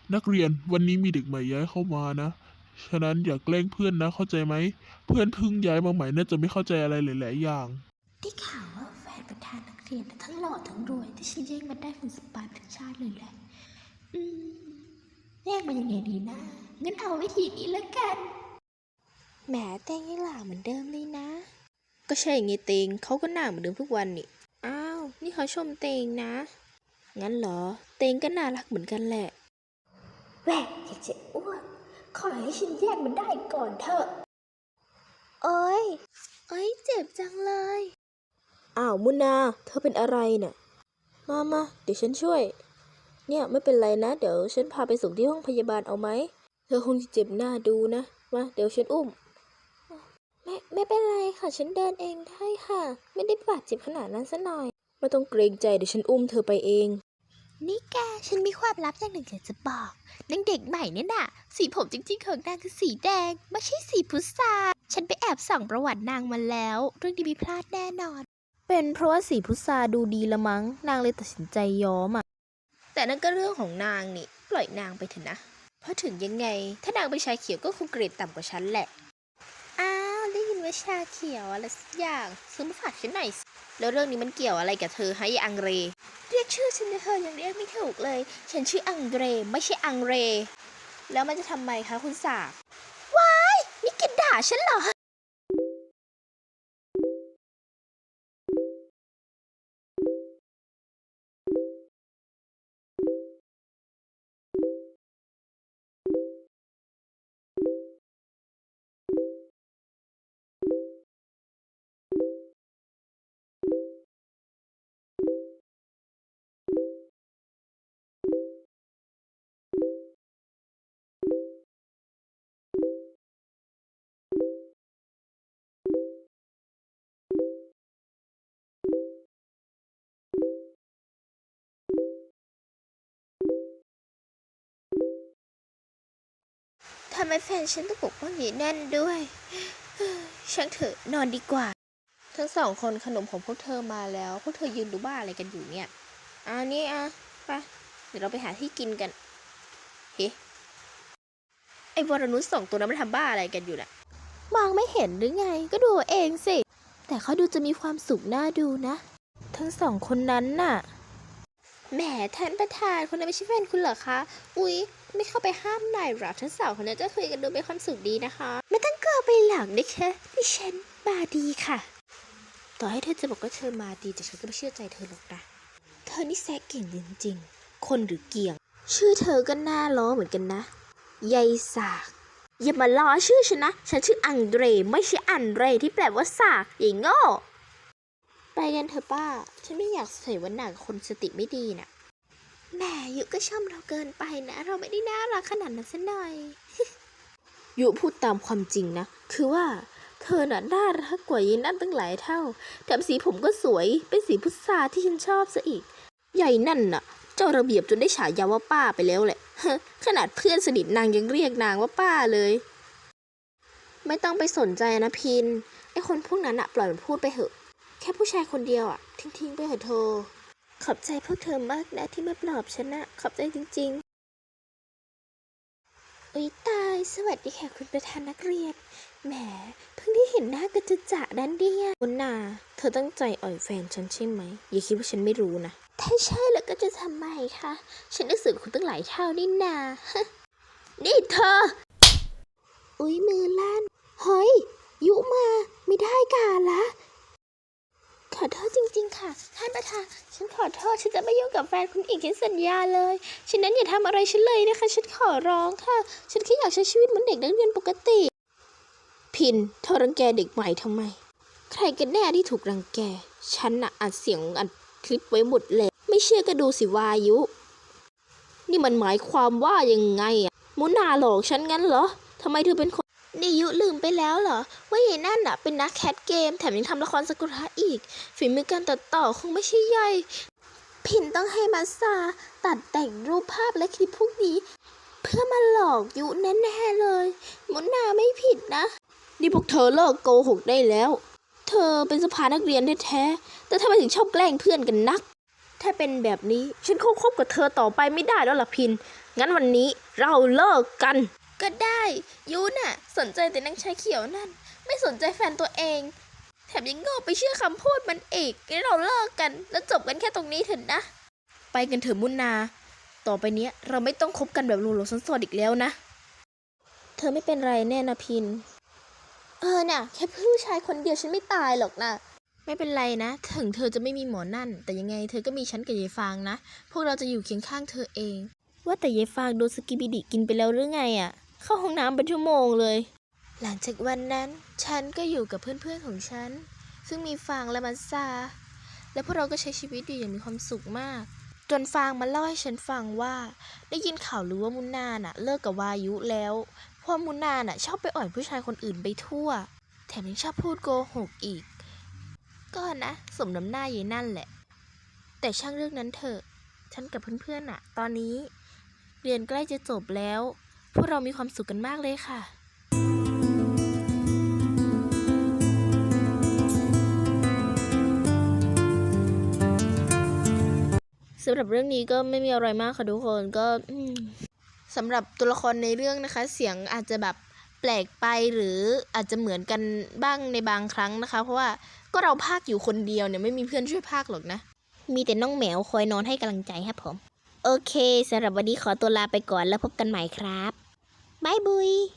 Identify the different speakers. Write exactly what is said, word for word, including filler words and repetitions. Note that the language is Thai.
Speaker 1: นักเรียนวันนี้มีเด็กใหม่ย้ายเข้ามานะฉะนั้นอย่าแกล้งเพื่อนนะเข้าใจไหมเพื่อนเพิ่งย้ายมาใหม่น่าจะไม่เข้าใจอะไรหลายๆอย่าง
Speaker 2: ได้ข่าวว่าแฟนประธานนักเรียนทั้งหล่อทั้งรวยที่ฉันแย่งมันได้เป็นสปายทั้งชาติเลยแหละอืมแย่งมันยังไงดีนะงั้นเอาวิธีนี้แล้วกันแหมเต้งยังหล่าเหมือนเดิมเลยนะก็ใช่ไงเตงเขาก็หน้าเหมือนเดิมทุกวันนี่อ้าวนี่เขาชมเตงนะงั้นเหรอเตงก็น่ารักเหมือนกันแหละแหวกอยากจะอ้วนขอให้ฉันแยกมันได้ก่อนเถอะโอ้ยโอ้ยเจ็บจังเลยอ้าวมุนาเธอเป็นอะไรเนี่ยมามาเดี๋ยวฉันช่วยเนี่ยไม่เป็นไรนะเดี๋ยวฉันพาไปส่งที่ห้องพยาบาลเอาไหมเธอคงจะเจ็บหน้าดูนะมาเดี๋ยวฉันอุ้มไม่ไม่เป็นไรค่ะฉันเดินเองได้ค่ะไม่ได้บาดเจ็บขนาดนั้นซะหน่อยไม่ต้องเกรงใจเดี๋ยวฉันอุ้มเธอไปเองนี่แกฉันมีความลับอย่างหนึ่งอยากจะบอกนางเด็กใหม่เนี่ยน่ะสีผมจริงๆของนางคือสีแดงไม่ใช่สีพุทราฉันไปแอบส่องประวัตินางมาแล้วเรื่องนี้ไม่พลาดแน่นอนเป็นเพราะว่าสีพุทราดูดีละมั้งนางเลยตัดสินใจย้อมอ่ะแต่นั่นก็เรื่องของนางนี่ปล่อยนางไปเถอะนะเพราะถึงยังไงถ้านางเป็นชาเขียวก็คงเกรดต่ำกว่าฉันแหละอ้าวได้ยินว่าชาเขียวอะไรสักอย่างซื้อมาฝากฉันหน่อยแล้วเรื่องนี้มันเกี่ยวอะไรกับเธอฮะยายอังเรเรียกชื่อฉันเธอยังเรียกไม่ถูกเลยฉันชื่ออังเรไม่ใช่อังเรแล้วมันจะทำไมคะคุณสากว้ายนี่แกด่าฉันเหรอทำไมแฟนฉันต้องปกป้องยีแน่นด้วยช่างเถอะนอนดีกว่าทั้งสองคนขนมของพวกเธอมาแล้วพวกเธอยืนดูบ้าอะไรกันอยู่เนี่ยอ่านี่อ่ะไปเดี๋ยวเราไปหาที่กินกันเฮ้ไอ้วรนุชสองตัวนั้นมันทำบ้าอะไรกันอยู่น่ะมองไม่เห็นหรือไงก็ดูเองสิแต่เขาดูจะมีความสุขน่าดูนะทั้งสองคนนั้นน่ะแหมท่านประธานคนนั้นไม่ใช่แฟนคุณเหรอคะอุ๊ยไม่เข้าไปห้ามหน่อยหรอทั้งสองคนนั้นจะคุยกันดูเป็นความสุขดีนะคะไม่ต้องกลัวไปหลังนะคะดิฉันมาดีค่ะต่อให้เธอจะบอกว่าเธอมาดีแต่ฉันก็ไม่เชื่อใจเธอหรอกนะเธอนี่แซะเก่งจริงๆคนหรือเกี่ยงชื่อเธอก็น่าล้อเหมือนกันนะยายสากอย่ามาล้อชื่อฉันนะฉันชื่ออังเดรไม่ใช่อันเดรที่แปลว่าสากอย่างโง่ไปกันเถอะป้าฉันไม่อยากใส่วันหนักคนสติไม่ดีน่ะแหมยุก็ชมเราเกินไปนะเราไม่ได้น่ารักขนาดนั้นซะหน่อย ยุพูดตามความจริงนะคือว่าเธอน่ะน่ารักกว่ายีนั่นตั้งหลายเท่าแถมสีผมก็สวยเป็นสีพุทราที่ฉันชอบซะอีกใหญ่นั่นน่ะเจ้าระเบียบจนได้ฉายาว่าป้าไปแล้วแหละขนาดเพื่อนสนิทนางยังเรียกนางว่าป้าเลยไม่ต้องไปสนใจนะพินไอคนพวกนั้นอะปล่อยมันพูดไปเถอะแค่ผู้ชายคนเดียวอะทิ้งๆไปเถอะเธอขอบใจพวกเธอมากนะที่มาปลอบฉันนะขอบใจจริงๆอุ๊ยตายสวัสดีค่ะคุณประธานนักเรียนแหมเพิ่งได้เห็นหน้ากันจะจะดันเดียคุณนาเธอตั้งใจอ่อยแฟนฉันใช่ไหมอย่าคิดว่าฉันไม่รู้นะถ้าใช่แล้วก็จะทำไมคะฉันได้สื่อคุณตั้งหลายเท่านี่นานี่เธออุ๊ยมือลั่นเฮ้ยยุมาไม่ได้การละขอโทษจริงๆค่ะท่านประธานฉันขอโทษฉันจะไม่ยุ่งกับแฟนคุณอีกฉันสัญญาเลยฉะนั้นอย่าทำอะไรฉันเลยนะคะฉันขอร้องค่ะฉันแค่อยากใช้ชีวิตเหมือนเด็กนักเรียนปกติพินเธอรังแกเด็กใหม่ทำไมใครกันแน่ที่ถูกรังแกฉันน่ะอัดเสียงอัดคลิปไว้หมดเลยไม่เชื่อก็ดูสิวายุนี่มันหมายความว่ายังไงอะมุนาหลอกฉันงั้นเหรอทำไมเธอเป็นคนนี่ยุลืมไปแล้วเหรอว่าไอ้นั่นน่ะเป็นนักแคสเกมแถมยังทำละครซากุระอีกฝีมือการตัดต่อคงไม่ใช่ย่อยพินต้องให้มาซาตัดแต่งรูปภาพและคลิปพวกนี้เพื่อมาหลอกยุแน่ๆเลยมุนาไม่ผิดนะนี่พวกเธอเลิกโกหกได้แล้วเธอเป็นสภานักเรียนแท้ๆแต่ทำไมถึงชอบแกล้งเพื่อนกันนัก
Speaker 3: ถ้าเป็นแบบนี้ฉันคงคบกับเธอต่อไปไม่ได้แล้วล่ะพินงั้นวันนี้เราเลิกกันก็ได้ยูน่ะสนใจแต่นางชายเขียวนั่นไม่สนใจแฟนตัวเองแถมยังโง่ไปเชื่อคำพูดมันอีกงั้นเราเลิกกันแล้วจบกันแค่ตรงนี้เถอะนะไปกันเถอะมุนนาต่อไปเนี้ยเราไม่ต้องคบกันแบบหลงๆซ่อนๆอีกแล้วนะเธอไม่เป็นไรแน่นะพินเออน่ะแค่ผู้ชายคนเดียวฉันไม่ตายหรอกนะไม่เป็นไรนะถึงเธอจะไม่มีหมอนั่นแต่ยังไงเธอก็มีฉันกับยายฟางนะพวกเราจะอยู่เคียงข้างเธอเองว่าแต่ยายฟางโดนสกิบิดิกินไปแล้วหรือไงอ่ะเข้าห้องน้ำเป็นชั่วโมงเลยหลังจากวันนั้นฉันก็อยู่กับเพื่อนๆของฉันซึ่งมีฟางและมัสซาและพวกเราก็ใช้ชีวิตอยู่อย่างมีความสุขมากจนฟางมาเล่าให้ฉันฟังว่าได้ยินข่าวหรือว่ามุนนาน่ะเลิกกับวายุแล้วเพราะมุนนาน่ะชอบไปอ่อยผู้ชายคนอื่นไปทั่วแถมยังชอบพูดโกหกอีกก็นะสมน้ำหน้ายายนั่นแหละแต่ช่างเรื่องนั้นเถอะฉันกับเพื่อนๆน่ะตอนนี้เรียนใกล้จะจบแล้วพวกเรามีความสุขกันมากเลยค่ะสำหรับเรื่องนี้ก็ไม่มีอะไรมากค่ะทุกคนก็สำหรับตัวละครในเรื่องนะคะเสียงอาจจะแบบแปลกไปหรืออาจจะเหมือนกันบ้างในบางครั้งนะคะเพราะว่าก็เราพากอยู่คนเดียวเนี่ยไม่มีเพื่อนช่วยพากหรอกนะมีแต่น้องแมวคอยนอนให้กำลังใจครับผมโอเคสำหรับวันนี้ขอตัวลาไปก่อนแล้วพบกันใหม่ครับบ๊ายบุย